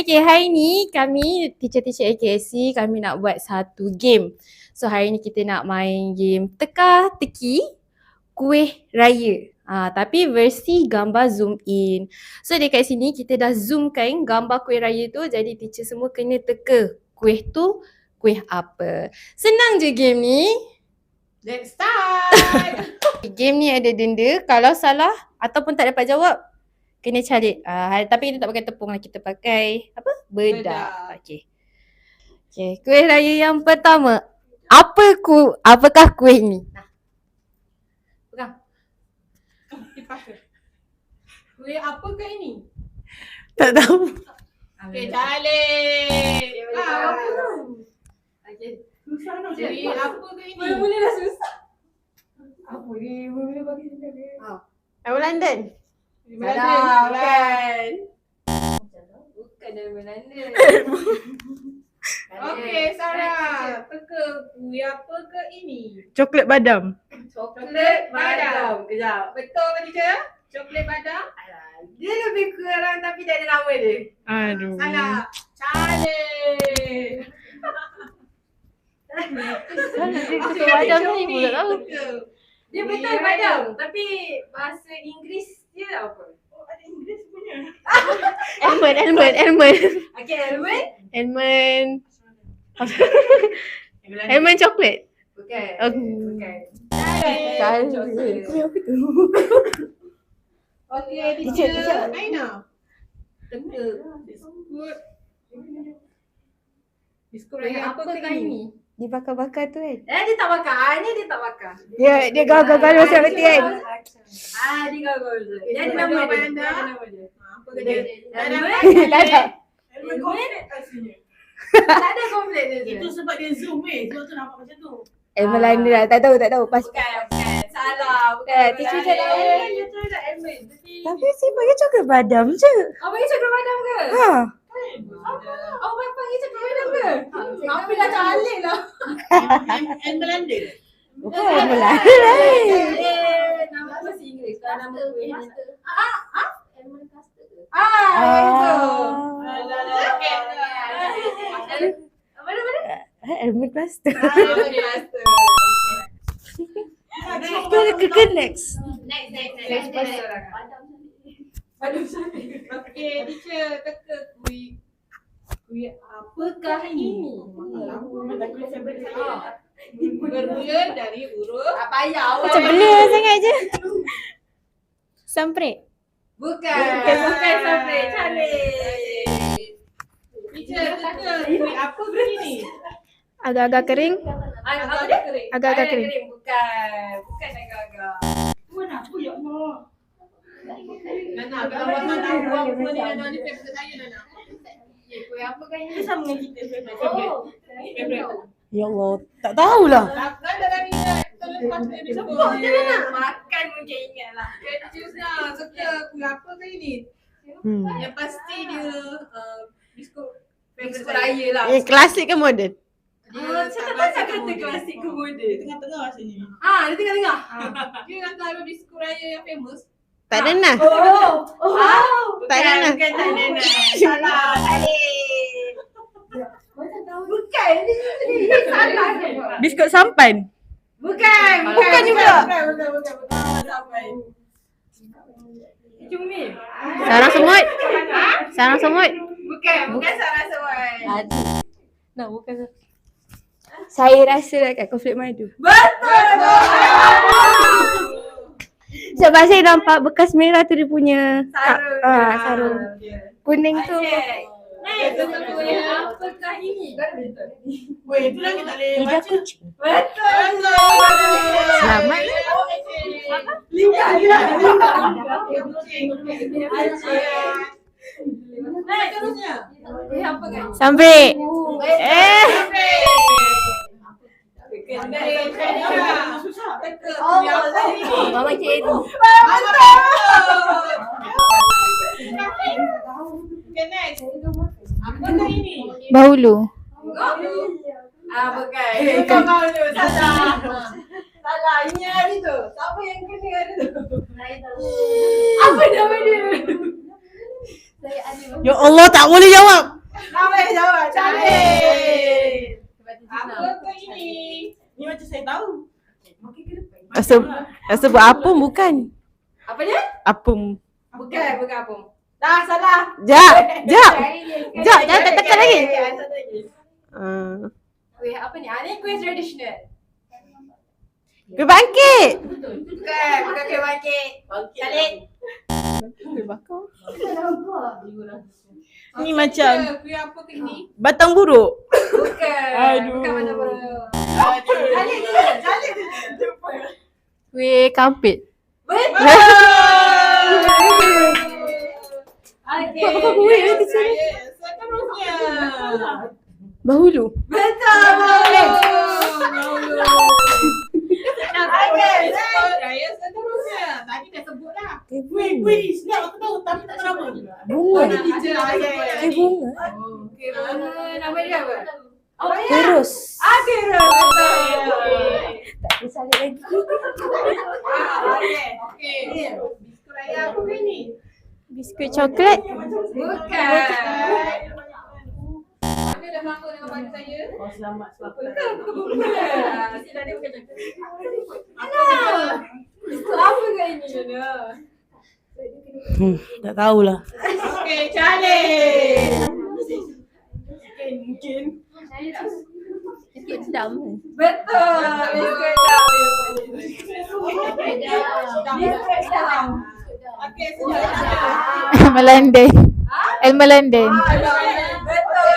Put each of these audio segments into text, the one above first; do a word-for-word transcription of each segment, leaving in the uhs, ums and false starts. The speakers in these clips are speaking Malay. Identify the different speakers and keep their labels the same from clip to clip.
Speaker 1: Okay, hari ni kami teacher-teacher A K S C kami nak buat satu game. So hari ni kita nak main game teka-teki kuih raya. Ha, tapi versi gambar zoom in. So dekat sini kita dah zoomkan gambar kuih raya tu, jadi teacher semua kena teka kuih tu kuih apa. Senang je game ni.
Speaker 2: Let's start.
Speaker 1: Game ni ada denda. Kalau salah ataupun tak dapat jawab, kena cari. Uh, tapi kita tak pakai tepung lah. Kita pakai apa? Bedak.
Speaker 2: Bedak.
Speaker 1: Okay. Okay. Kuih raya yang pertama. Apa ku? Apakah kuih ni?
Speaker 2: Nah. Pegang. Kipas ke? Kuih apakah ini?
Speaker 1: Tak tahu.
Speaker 2: Okey, Calik. Ah, apa tu? Okey. Susah nak jadi. Kuih apakah ini? Mula-mula dah susah. Apa ni? Mula-mula bagi sini ke? Ha.
Speaker 1: Aku London.
Speaker 2: Salah, bukan. Bukan dari Belanda. Okey, Sarah. Teka kuih apakah ini?
Speaker 1: Coklat badam.
Speaker 2: Coklat badam. Kejap. Betul ke teacher? Coklat badam? Alah, dia lebih kurang tapi dia ada nama dia.
Speaker 1: Aduh.
Speaker 2: Salah. Calik.
Speaker 1: Coklat badam ni pun tak tahu.
Speaker 2: Dia betul badam. Tapi bahasa Inggeris dia apa? Oh, ada Inggeris punya.
Speaker 1: Almond, almond, almond.
Speaker 2: Okey, almond?
Speaker 1: Almond. Almond coklat.
Speaker 2: Bukan.
Speaker 1: Bukan.
Speaker 2: Calik.
Speaker 1: Coklat. Apa tu?
Speaker 2: Okey,
Speaker 1: Teacher,
Speaker 2: teacher.
Speaker 1: teacher.
Speaker 2: Aina. Teka. Biskut. Biskut raya apa ke ini?
Speaker 1: Dia bakar-bakar tu kan?
Speaker 2: Eh, dia tak bakar. Ni dia tak bakar.
Speaker 1: Dia dia gagal-gagal macam berarti kan?
Speaker 2: Ah, dia gagal. Dia ada nama dia. Dia ada nama dia. Apa ke dia?
Speaker 1: Tak ada.
Speaker 2: Elmen komplit aslinya. Tak ada komplit dia.
Speaker 3: Itu sebab dia zoom eh. Sebab tu nampak macam tu.
Speaker 1: Eh Melanda lah. Tak tahu, tak tahu. Pas.
Speaker 2: Bukan, bukan. Salah. Bukan.
Speaker 1: Eh, teacher
Speaker 2: Elmen.
Speaker 1: cakap Elmen.
Speaker 2: Dia tu dah Elmen.
Speaker 1: Tapi si bagi coklat badam je.
Speaker 2: Apa yang cakap badam ke?
Speaker 1: Ha.
Speaker 2: Oh, apa panggil cakap badam ke? Apa dah calik lah.
Speaker 3: And Melanda.
Speaker 1: Bukan Melanda lain.
Speaker 2: Eh, nama bahasa Inggeris. Kalau nama kuih ni. Ah, ah. Elmen custard ke? Ah,
Speaker 1: Ah.
Speaker 2: itu. Okey. Apa nama dia?
Speaker 1: Almond cluster.
Speaker 2: Ah, Elmen custard.
Speaker 1: Ke ke ke next.
Speaker 2: Next, next, next. Next, Badam cantik. Okey, teacher teka kuih. Kuih apakah ini? Bermula dari huruf. Tak payah.
Speaker 1: Macam blur sangat je. Sampret.
Speaker 2: Bukan. Bukan sampai. Cantik. Teacher teka kuih apakah ini?
Speaker 1: Agak-agak kering.
Speaker 2: Apa dia? Kering.
Speaker 1: Agak-agak
Speaker 2: Ah,
Speaker 1: kering.
Speaker 2: Bukan. Bukan agak-agak.
Speaker 3: Puan apa ya Allah?
Speaker 2: Nana, kalau Rahman tahu apa ni Nana ni favorite saya Nana. Eh, kuih apa kan ini?
Speaker 3: Sama dengan kita favorite.
Speaker 2: Oh.
Speaker 3: Favorite.
Speaker 1: Ya Allah, tak tahulah.
Speaker 2: Takkan dalam ingat terlepas dari sebut je Nana. Makan mungkin ingat lah. Confuse lah. Suka kuih apa kan ini?
Speaker 1: Hmm.
Speaker 2: Yang pasti dia uh, biskut biskut raya lah.
Speaker 1: Eh, klasik ke moden?
Speaker 2: Ah, saya tak tak kata klasik ke moden.
Speaker 3: Dia tengah-tengah rasanya.
Speaker 2: Ah, dia tengah-tengah. Dia antara biskut raya yang famous.
Speaker 1: Tak ada nah.
Speaker 2: Oh, oh, oh.
Speaker 1: Tak ada nah.
Speaker 2: Bukan tak ada nah. Salah. Balik. Bukan. Ini salah je.
Speaker 1: Biskut sampan.
Speaker 2: Bukan.
Speaker 1: Bukan juga.
Speaker 2: Bukan, bukan, bukan. Bukan sampai. Cumi.
Speaker 1: Sarang semut. Sarang semut.
Speaker 2: Bukan, bukan sarang semut.
Speaker 1: Nak bukan. Saya rasa dekat konflik madu.
Speaker 2: Betul.
Speaker 1: Sebab saya nampak bekas merah tu dia punya
Speaker 2: Sarung.
Speaker 1: ah, sarung. Kuning tu.
Speaker 2: Next, kuih apakah ini?
Speaker 3: Weh, tu lagi tak boleh
Speaker 1: Lidah
Speaker 3: baca.
Speaker 1: kucing.
Speaker 2: Betul.
Speaker 1: Selamat.
Speaker 2: Lidah dia.
Speaker 1: Sampai. Eh. Mama cik Edi.
Speaker 2: Apakah ini?
Speaker 1: Bahulu.
Speaker 2: Ah, bukan. Bukan malu. Salah. Salah. Ini hari tu. Siapa yang kena hari tu? Apa nama dia?
Speaker 1: Ya Allah, tak boleh jawab.
Speaker 3: Apa jawab? Cantik.
Speaker 2: Apa kau ini?
Speaker 3: Ni macam saya tahu.
Speaker 4: Rasa, rasa buat apung bukan?
Speaker 2: Apa dia?
Speaker 4: Apung.
Speaker 2: Bukan, bukan apa. Dah salah.
Speaker 4: Jap, jap.
Speaker 2: Sekali
Speaker 4: Jap, jangan tekan lagi.
Speaker 2: Okey, satu lagi.
Speaker 4: Uh,
Speaker 2: Kuih apa ni? Ah, ni kuih tradisional.
Speaker 4: Kuih bangkit.
Speaker 2: Bukan, bukan kuih bangkit. Salib.
Speaker 4: Kuih bakar.
Speaker 3: Ni macam
Speaker 2: Kuih apa ke ni?
Speaker 3: batang buruk.
Speaker 2: Bukan.
Speaker 3: Aduh.
Speaker 2: Bukan mana mana.
Speaker 3: Aduh.
Speaker 2: Salib je, salib je.
Speaker 1: Kuih kampit.
Speaker 2: Betul. Okey.
Speaker 1: Apa kuih ni, teacher?
Speaker 2: Seterusnya.
Speaker 1: Bahulu.
Speaker 2: Betul. Okey, saya seterusnya. Tadi dah sebut lah.
Speaker 3: Kuih, kuih ni snap aku tahu tapi tak tahu nama.
Speaker 1: Bunga.
Speaker 2: Oh, teacher.
Speaker 1: Kuih bunga.
Speaker 2: Okey, nama dia apa? Oh, ya.
Speaker 1: Terus.
Speaker 2: Ah, Kira. Betul.
Speaker 1: Tak boleh salib lagi.
Speaker 2: Ah, okey. Okey. Biskut raya apa ke ni?
Speaker 1: Biskut coklat.
Speaker 2: Bukan. Anda dah melangkau dengan pada saya?
Speaker 3: Oh selamat selamat.
Speaker 2: Bukan, bukan, bukan. Sila dia bukan cakap. Alah. Biskut apa ke ini, Yana?
Speaker 3: Hmm, tak tahulah.
Speaker 2: Okey, cantik.
Speaker 3: Mungkin mungkin.
Speaker 1: Biskut sedap.
Speaker 2: Betul. Biskut dam. Biskut dam. Okey, sudah.
Speaker 1: Melanden. El Melanden.
Speaker 2: Betul.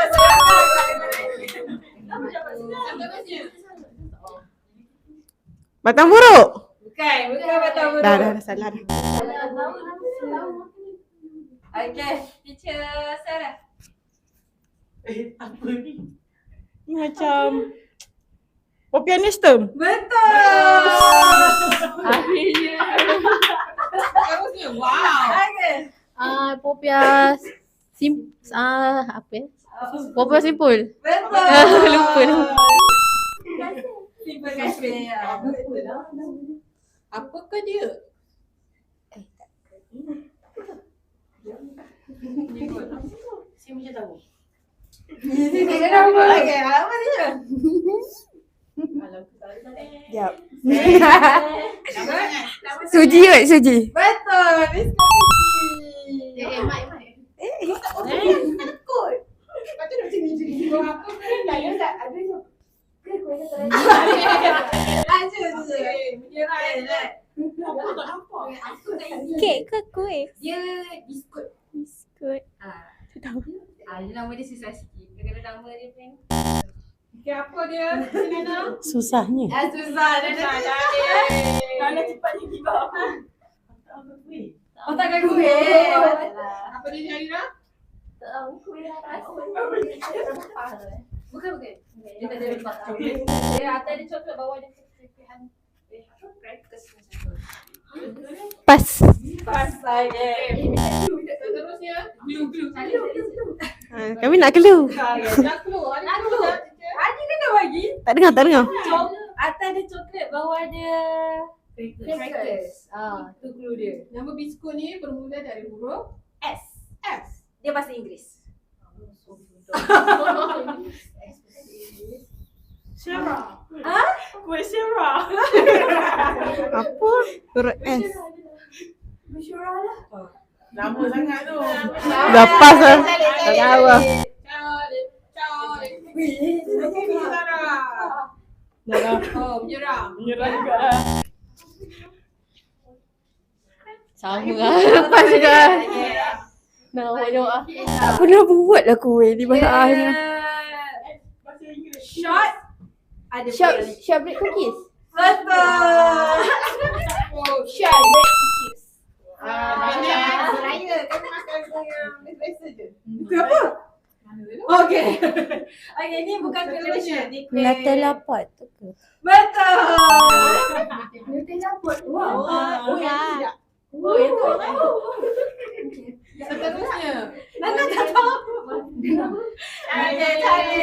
Speaker 4: Batang buruk.
Speaker 2: Bukan, bukan betul-betul.
Speaker 4: Dah, dah, dah salah dah.
Speaker 2: Okey, teacher Sarah.
Speaker 3: Eh, apa ni? Ni macam Popiah Nestum.
Speaker 2: Betul.
Speaker 1: Akhirnya.
Speaker 2: Bagusnya. Wow. Okey.
Speaker 1: Ah, Popiah sim ah apa ya? Popiah simpul.
Speaker 2: Betul.
Speaker 1: Lupa nama.
Speaker 2: Terima kasih. Apakah dia?
Speaker 3: Saya macam tahu.
Speaker 2: Okey, apa dia?
Speaker 4: Jap.
Speaker 1: Suji kot, suji.
Speaker 2: Betul. Biskut suji.
Speaker 1: Eh, mai mai.
Speaker 2: Takut. Patut nak macam ni je. Apa pun saya tak ada je. Aja je. Menyerah je.
Speaker 3: Apa tak nampak?
Speaker 2: Aku tak ingat.
Speaker 1: Kek ke kuih?
Speaker 2: Dia biskut.
Speaker 1: Biskut.
Speaker 2: Ah,
Speaker 1: Tahu.
Speaker 2: ah, dia nama dia susah sikit. Kadang-kadang nama dia pun. Okey, apa dia? Nana?
Speaker 4: Susahnya.
Speaker 2: Ah, susah. Dia dah
Speaker 3: Kalau cepatnya tiba apa? Apa kuih?
Speaker 2: Oh, takkan kuih. Apa dia Syarira? Bukan, bukan. Dia tak ada lepas coklat. Dia atas dia coklat, bawah dia kekuihan. Eh, apa? Crackers macam tu.
Speaker 1: Pas.
Speaker 2: Pas saja. Seterusnya, glue, glue.
Speaker 4: Ha, kami nak clue.
Speaker 2: Dah keluar. Dah keluar. Adi kena bagi.
Speaker 4: Tak dengar, tak dengar.
Speaker 2: Atas dia coklat, bawah dia crackers. Ah, tu clue dia. Nama biskut ni bermula dari huruf S. S. Dia bahasa Inggeris.
Speaker 3: Syarah.
Speaker 2: Ha?
Speaker 3: Kuih Syarah.
Speaker 4: Apa? Huruf S.
Speaker 2: Bersyurah lah.
Speaker 3: Lama sangat tu.
Speaker 4: Dah pas lah. Tak tahu lah.
Speaker 2: Calik, calik. Wih, okey ni Sarah.
Speaker 3: Dah lah.
Speaker 2: Oh, menyerah.
Speaker 3: Menyerah juga lah.
Speaker 1: Sama lah. Lepas juga. Nak awak-awak ah. Tak pernah buat lah kuih di bahasa
Speaker 3: Bahasa Inggeris.
Speaker 2: Short. Ada
Speaker 1: Shop
Speaker 2: boleh.
Speaker 1: shortbread cookies.
Speaker 2: Betul. Oh, shortbread cookies. Ah,
Speaker 3: benar.
Speaker 2: Raya kami makan yang biasa je. Kuih apa? Okey. Okey, ni bukan kuih Malaysia, ni kuih
Speaker 1: Nutella pot tu ke?
Speaker 2: Betul. Nutella pot. Wow.
Speaker 3: Oh,
Speaker 2: ya. Oh, itu. Seterusnya. Nana tak tahu. Okey, cari.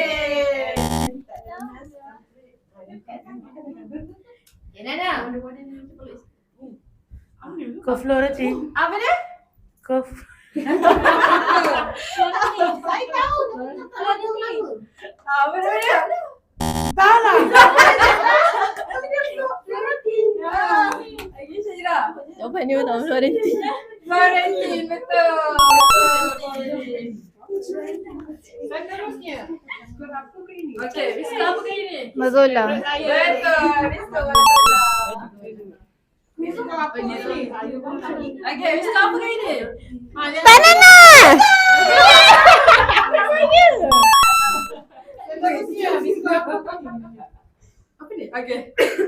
Speaker 2: Ya, Nana.
Speaker 3: Apa ni?
Speaker 4: Koflorati.
Speaker 2: Apa dia?
Speaker 4: Kof.
Speaker 2: Saya tahu. Kalau dia apa?
Speaker 3: Ah, mana mana?
Speaker 2: Tak lah.
Speaker 3: Lagi Syahira.
Speaker 4: Jawapan dia tak Florentine.
Speaker 3: Florentine, betul.
Speaker 2: Seterusnya. Skor apa ke ini?
Speaker 3: Okey, Rizka apa kali ni?
Speaker 1: Mazola.
Speaker 3: Betul, Rizka Mazola.
Speaker 2: Skor apa ni?
Speaker 3: Okey, Rizka apa kali ni?
Speaker 1: Banana.
Speaker 2: Seterusnya. Skor apa ke ini?
Speaker 3: Apa ni? Okey.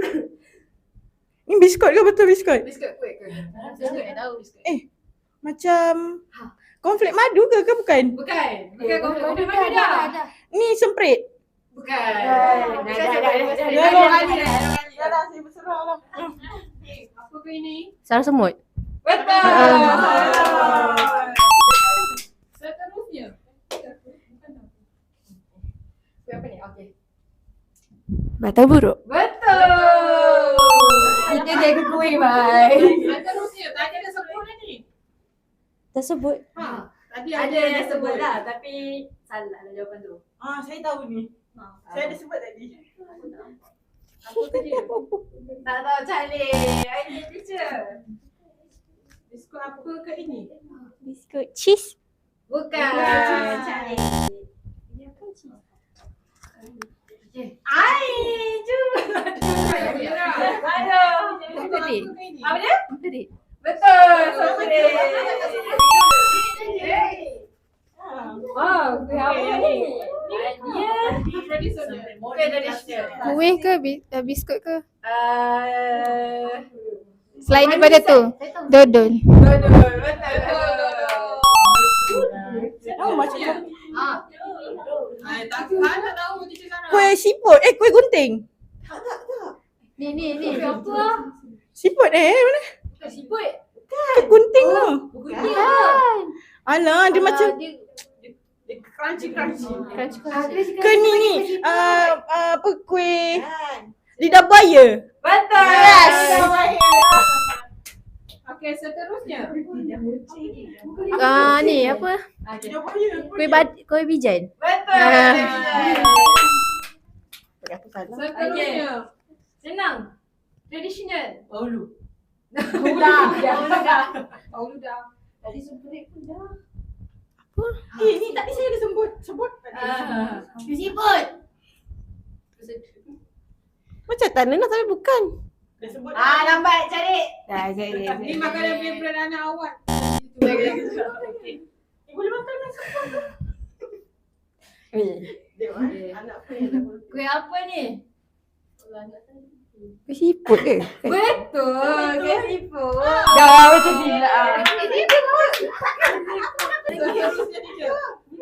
Speaker 4: Ni biskut ke betul biskut?
Speaker 3: Biskut kuih ke? Biskut yang tahu biskut.
Speaker 4: Eh, macam konflik madu ke ke bukan?
Speaker 3: Bukan. Bukan konflik mana dah?
Speaker 4: Ni semprit.
Speaker 3: Bukan.
Speaker 2: Dah, dah, dah, dah, dah.
Speaker 3: Dah dah.
Speaker 2: Dah dah, saya berserah lah. Apa ke ini?
Speaker 1: Sarang semut.
Speaker 3: Betul.
Speaker 2: Seterusnya.
Speaker 3: Kuih apa ni? Okey.
Speaker 1: Batang buruk.
Speaker 3: Betul. Kita jaga kuih, bye.
Speaker 2: Seterusnya. Tadi ada sebut ni.
Speaker 1: Dah sebut.
Speaker 2: Ha. Tadi
Speaker 3: Ada yang sebut lah, tapi salah lah jawapan tu.
Speaker 5: Ah, saya tahu ni. Saya ada sebut tadi.
Speaker 3: Apa tu dia? Tak tahu Charlie. Okey, teacher.
Speaker 2: Skor apa ke ini?
Speaker 1: Biskut cheese.
Speaker 3: Bukan.
Speaker 2: Bukan.
Speaker 3: Ai, cuba. Aduh.
Speaker 1: Tadi.
Speaker 3: Apa dia?
Speaker 1: Tadi.
Speaker 3: Betul. Sopri. Wow, kuih apa ni? Dia
Speaker 2: Tradisional.
Speaker 3: kuih tradisional.
Speaker 1: Kuih ke bi- uh, biskut ke?
Speaker 3: Uh,
Speaker 1: Selain daripada tu, dodol.
Speaker 3: Dodol. Betul.
Speaker 4: Oh, macam
Speaker 2: Ha. Ai, tak tak tahu teacher sana.
Speaker 4: kuih siput. Eh, kuih gunting.
Speaker 3: Ni ni ni. Apa?
Speaker 4: Siput eh, mana?
Speaker 3: Siput.
Speaker 4: Kuih gunting tu.
Speaker 3: Bukan lah.
Speaker 4: Alah, dia macam
Speaker 3: Dia
Speaker 2: Crunchy crunchy.
Speaker 1: Crunchy-crunchy.
Speaker 4: ke ni ni. Uh, uh, apa kuih lidah buaya.
Speaker 3: betul.
Speaker 1: Yes.
Speaker 2: Okey, seterusnya.
Speaker 1: Ah ni apa?
Speaker 3: Okey.
Speaker 1: Kuih bad kuih bijan.
Speaker 3: Betul.
Speaker 1: Ah.
Speaker 4: Aku salah.
Speaker 2: Seterusnya.
Speaker 3: Senang. Traditional.
Speaker 5: Paulu.
Speaker 3: Dah. Dah.
Speaker 2: Oh, dah.
Speaker 3: Tadi semprit pun dah.
Speaker 5: Eh, ni tadi saya ada sebut. Sebut tadi.
Speaker 3: Ah. Siput.
Speaker 4: Macam tanah tapi bukan.
Speaker 5: Dah sebut.
Speaker 3: Ah, lambat cari.
Speaker 1: Dah jadi.
Speaker 2: Ni makanan favourite anak awak.
Speaker 5: Eh, boleh makan nasi. Dia anak apa yang dah boleh.
Speaker 3: Kuih apa ni?
Speaker 1: Kuih siput ke?
Speaker 3: Betul. Kuih siput.
Speaker 1: Dah macam gila.
Speaker 2: Seterusnya teacher.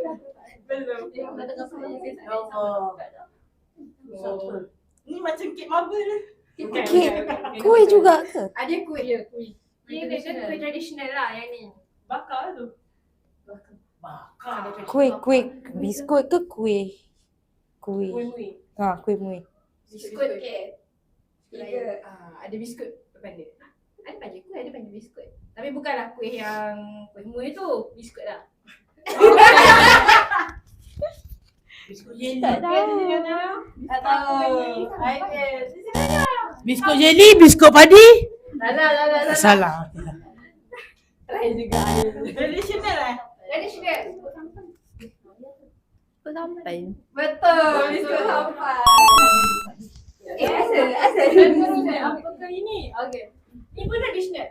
Speaker 5: Oh. Ni macam kek marble lah.
Speaker 1: Kek. Kuih juga ke?
Speaker 3: Ada kuih.
Speaker 2: Ya, kuih.
Speaker 3: Dia dia kan kuih tradisional lah yang ni.
Speaker 5: Bakar tu. Bakar.
Speaker 4: Kuih kuih biskut ke kuih? Kuih.
Speaker 2: Kuih-kuih.
Speaker 4: Ha, kuih muih.
Speaker 3: Biskut ke? Tiga. Ah, ada biskut depan dia. Ada panggil kuih, ada panggil biskut. Tapi bukanlah kuih yang kuih muih tu. Biskut lah.
Speaker 5: Biskut jelly.
Speaker 3: Tak tahu. Tak tahu. Okey.
Speaker 5: Biskut jelly, biskut padi.
Speaker 3: Salah, salah, salah.
Speaker 5: Salah.
Speaker 3: Try juga.
Speaker 5: Traditional eh?
Speaker 3: Tradisional.
Speaker 1: Apa sampai?
Speaker 3: Betul. Biskut sampai. Eh, asal, asal. Apa ke ini? Okey. Ini pun tradisional.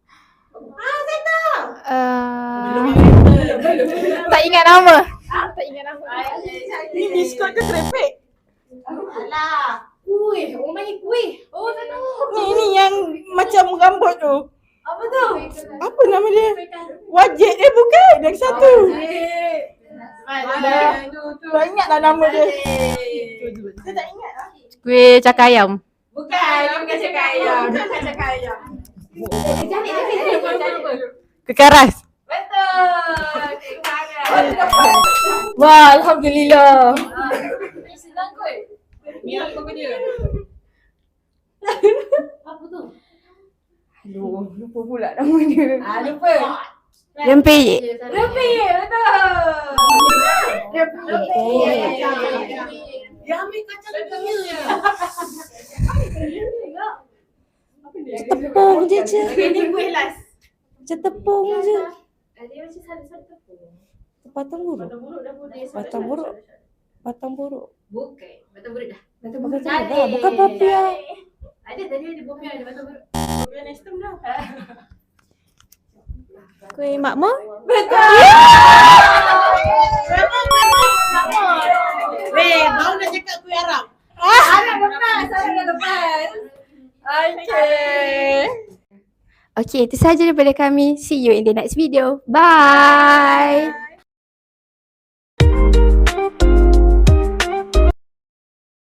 Speaker 1: Uh, tak ingat nama. Tak ingat nama.
Speaker 4: Ni biskut ke kerepek?
Speaker 3: Alah. Kuih. Orang panggil kuih. Oh, tak tahu.
Speaker 4: Ni ni yang macam rambut tu.
Speaker 3: Apa tu?
Speaker 4: Apa nama dia? Wajik dia bukan? Yang satu.
Speaker 3: Ada.
Speaker 4: Tak ingat lah nama dia. Saya tak ingat lah.
Speaker 1: Kuih cakar ayam.
Speaker 3: Bukan, bukan cakap ayam. Bukan cakap ayam. Cari, cari, cari, cari.
Speaker 4: Kekaras.
Speaker 3: Betul. Cakap.
Speaker 1: Wah, alhamdulillah.
Speaker 3: Senang kot.
Speaker 2: Ni apa ke dia?
Speaker 3: Apa tu?
Speaker 1: Aduh, lupa pula nama dia.
Speaker 3: Ah, lupa.
Speaker 1: Rempeyek.
Speaker 3: Rempeyek, betul.
Speaker 1: Rempeyek.
Speaker 5: Dia ambil kacang dia ya.
Speaker 4: Tepung je je.
Speaker 3: Okay, ni kuih last.
Speaker 4: Macam tepung je.
Speaker 3: Dia macam satu-satu tepung.
Speaker 4: Batang buruk.
Speaker 3: Batang buruk dah pun dia.
Speaker 4: Batang buruk. Batang buruk.
Speaker 3: Bukan. Batang buruk dah. Batang
Speaker 4: Bukan tu dah. Bukan papia.
Speaker 3: Ada tadi ada bopian, ada batang buruk. Bopian nestem dah.
Speaker 4: Kuih makmur.
Speaker 5: Weh, baru nak cakap kuih Arab.
Speaker 3: Arab lepas, Arab lepas.
Speaker 4: Okay.
Speaker 1: Okay, itu sahaja daripada kami. See you in the next video. Bye.